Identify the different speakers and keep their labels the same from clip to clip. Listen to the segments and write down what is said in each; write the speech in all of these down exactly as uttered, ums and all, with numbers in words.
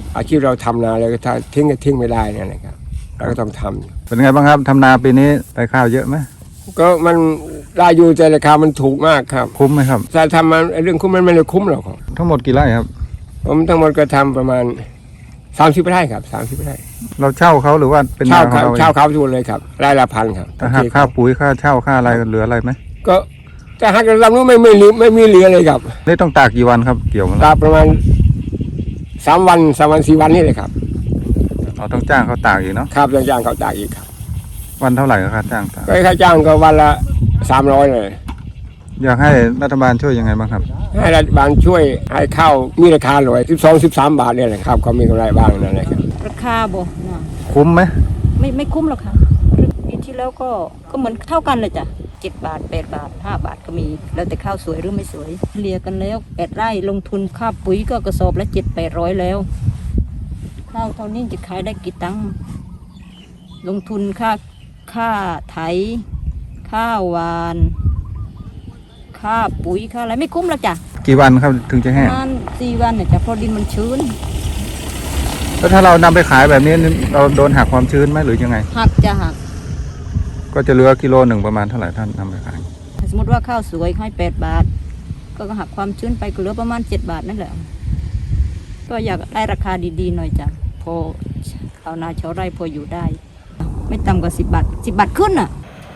Speaker 1: อาชีพเราทำนาเลยถ้าทิ้งก็ทิ้งไม่ได้เนี่ยนะครับเราก็ต้องทำ
Speaker 2: เป็นไงบ้างครับทำนาปีนี้ได้ข้าวเยอะไหม
Speaker 1: ก็มันได้อยู่แต่ราคามันถูกมากครับ
Speaker 2: คุ้มไหมครับ
Speaker 1: ถ้าทำมันเรื่องคุ้มมันไม่ได้คุ้มหรอก
Speaker 2: ทั้งหมดกี่ไร่ครับ
Speaker 1: ผมทั้งหมดก็ทำประมาณสามสิบไร่ครับสามสิบไร่
Speaker 2: เราเช่าเขาหรือว่าเป็น
Speaker 1: เช่าเขาเช่าเขาทุกเลยครับไร่ละพันครับ
Speaker 2: ถ้าหักค่าปุ๋ยค่าเช่าค่าอะไรเหลืออะไรไหม
Speaker 1: ก็แต่หากเรานู้นไม่ไม่ไม่ไม่เหลือเลยครับ
Speaker 2: นี่ต้องตากกี่วันครับเกี่ยว
Speaker 1: ตากประมาณสามวันสามวันสี่วันนี่เลยครับ
Speaker 2: เราต้องจ้างเขาตากอีกเนาะ
Speaker 1: ครับต้องจ้างเขาตากอีกครับ
Speaker 2: วันเท่าไหร่ค่าจ้างตาก
Speaker 1: ก็ค่าจ้างก็วันละสามร้อยเลย
Speaker 2: อยากให้รัฐบาลช่วยยังไงบ้างครับ
Speaker 1: ให้รัฐบาลช่วยให้ข้าวมีราคาหน่อยสิบสองสิบสามบาทเนี่ยแหละครับเขามีกำไรบ้างนั่นแหละครับ
Speaker 3: ราคาบ่
Speaker 2: คุ้มไหม
Speaker 3: ไม่ไม่คุ้มหรอกค่ะปีที่แล้วก็ก็เหมือนเท่ากันเลยจ้ะเจ็ดบาทแปดบาทห้าบาทก็มีแล้วแต่ข้าวสวยหรือไม่สวยเลียกันแล้วแปดไร่ลงทุนค่าปุ๋ยก็กระสอบละเจ็ดแปดร้อยแล้วข้าวเท่านี้จะขายได้กี่ตังค์ลงทุนค่าค่าไถค่าหวานค่าปุ๋ยค่าอะไรไม่คุ้มหรอกจ้ะ
Speaker 2: กี่วันครับถึงจะแห้ง
Speaker 3: ประมาณสี่วันเนี่ยจ้ะเพราะดินมันชื้น
Speaker 2: แล้วถ้าเรานำไปขายแบบนี้เราโดนหักความชื้นไหมหรือยังไง
Speaker 3: หักจะหัก
Speaker 2: ก็จะเหลือกิโลหนึ่งประมาณเท่าไหร่ท่านนำไปขาย
Speaker 3: สมมติว่าข้าวสวยให้แปดบาทก็หักความชื้นไปก็เหลือประมาณเจ็ดบาทนั่นแหละก็อยากได้ราคาดีๆหน่อยจ้ะพอชาวนาชาวไร่พออยู่ได้ไม่ต่ำกว่าสิบบาทสิบบาทขึ้นอ่ะ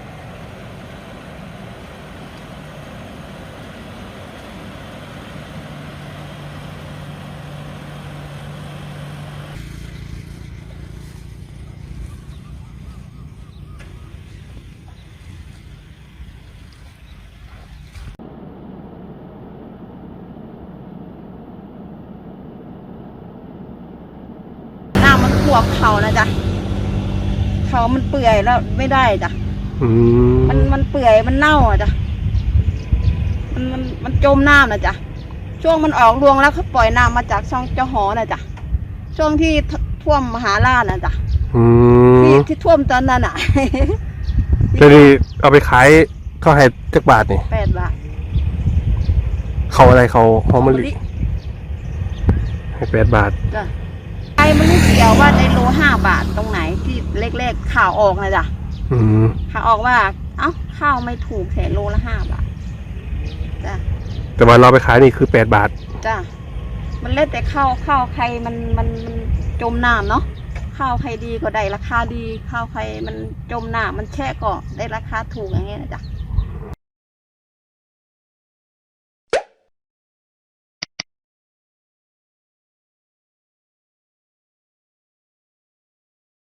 Speaker 3: หัวเขานะจ๊ะเขามันเปื่อยแล้วไม่ได้จ้ะมันมันเปื่อยมันเน่าอ่ะจ้ะมันมันมันจมน้ำนะจ๊ะช่วงมันออกรวงแล้วเขาปล่อยน้ำมาจากช่องเจ้าหอนะจ๊ะช่วงที่ท่วมมหาราชนะจ๊ะที่ที่ท่วมตอนนั้นอ่ะ
Speaker 4: จะดีเอาไปขายเขาให้จักบาทนี่
Speaker 3: แปดบาท
Speaker 4: เขาอะไรเขาหอมมะลิให้แปดบาท
Speaker 3: จ้ะไอ้มันไม่เกี่ยวว่าในโลห้าบาทตรงไหนที่เล็กๆข่าวออกนะจ๊ะข่าวออกว่าเอ้าข้าวไม่ถูกแค่โลละห้าบาทจ้ะ
Speaker 4: แต่ว่าเราไปขายนี่คือแปดบาท
Speaker 3: จ้ะมันเล่นแต่ข้าวข้าวใครมันมันมันจมน้ำเนาะข้าวใครดีก็ได้ราคาดีข้าวใครมันจมน้ำมันแช่ก็ได้ราคาถูกอย่างเงี้ยนะจ๊ะ